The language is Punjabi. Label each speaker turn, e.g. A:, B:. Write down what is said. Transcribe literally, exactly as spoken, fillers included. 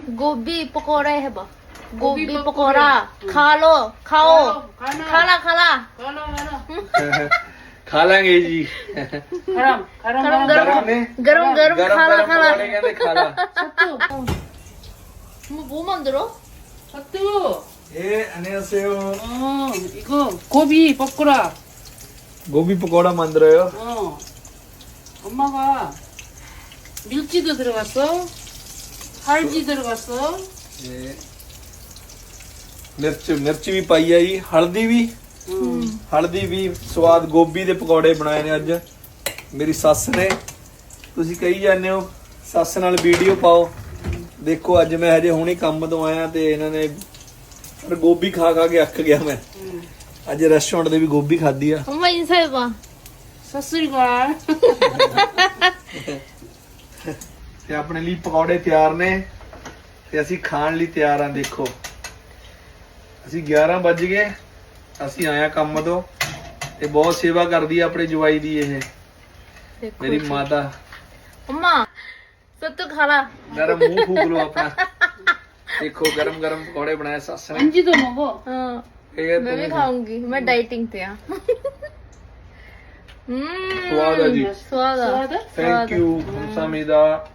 A: गोभी पकौड़े है बा गोभी पकौड़ा खा लो खाओ खाला खाला
B: खा लेंगे जी
C: गरम गरम
A: गरम
B: गरम ने
A: गरम गरम खाला
B: गरम
A: खाला
B: पकौड़े कहते खाला
A: 뭐, 뭐 만들어?
C: 사뚜.
B: 예 안녕하세요
C: 어 이거 고비 볶으라.
B: 고비 पकौड़ा 만들어요
C: 어 엄마가 밀치도 들어갔어. 할지 들어갔어.
B: 예 ਮਿਰਚ ਮਿਰਚ ਵੀ ਪਾਈ ਆ ਜੀ ਹਲਦੀ ਵੀ ਹਲਦੀ ਵੀ ਸਵਾਦ ਗੋਭੀ ਦੇ ਪਕੌੜੇ ਬਣਾਏ ਨੇ ਅੱਜ ਮੇਰੀ ਸੱਸ ਨੇ ਤੁਸੀਂ ਕਹੀ ਜਾਂਦੇ ਹੋ ਸੱਸ ਨਾਲ ਵੀਡੀਓ ਪਾਓ ਦੇਖੋ ਅੱਜ ਮੈਂ ਹਜੇ ਹੁਣੇ ਕੰਮ ਤੋਂ ਆਇਆ ਤੇ ਇਹਨਾਂ ਨੇ ਪਰ ਗੋਭੀ ਖਾ ਖਾ ਕੇ ਅੱਕ ਗਿਆ ਮੈਂ ਅੱਜ ਰੈਸਟੋਰੈਂਟ ਦੇ ਵੀ ਗੋਭੀ ਖਾਧੀ ਆ
A: 엄마 인사해봐
C: 사슬과.
B: ਤੇ ਆਪਣੇ ਲਈ ਪਕੌੜੇ ਤਿਆਰ ਨੇ ਤੇ ਅਸੀਂ ਖਾਣ ਲਈ ਤਿਆਰ ਆ ਦੇਖੋ ਅਸੀਂ ਗਿਆਰਾਂ ਵੱਜ ਗਏ ਅਸੀਂ ਆਇਆ ਕੰਮ ਤੋਂ ਤੇ ਬਹੁਤ ਸੇਵਾ ਕਰਦੀ ਆ ਆਪਣੇ ਜਵਾਈ ਦੀ ਇਹ
A: देखो
B: ਮੇਰੀ ਮਾਤਾ
A: 엄마 सत्तू खाला
B: ਗਰਮ ਮੂੰਹ ਫੂਕ ਲੋ ਆਪਣਾ ਦੇਖੋ ਗਰਮ ਗਰਮ ਪਕੌੜੇ ਬਣਾਏ ਸੱਸ ਨੇ
C: 안지도 먹어.
A: हाँ
B: ਇਹ
A: मैं भी
B: ਤੁਸੀਂ-
A: खाऊंगी मैं डाइटिंग पे हाँ हम्म
B: ਸਵਾਦ ਆ ਜੀ
A: स्वाद आ।
C: स्वाद?
B: Thank you ਹਮਸਾਮੀਦਾ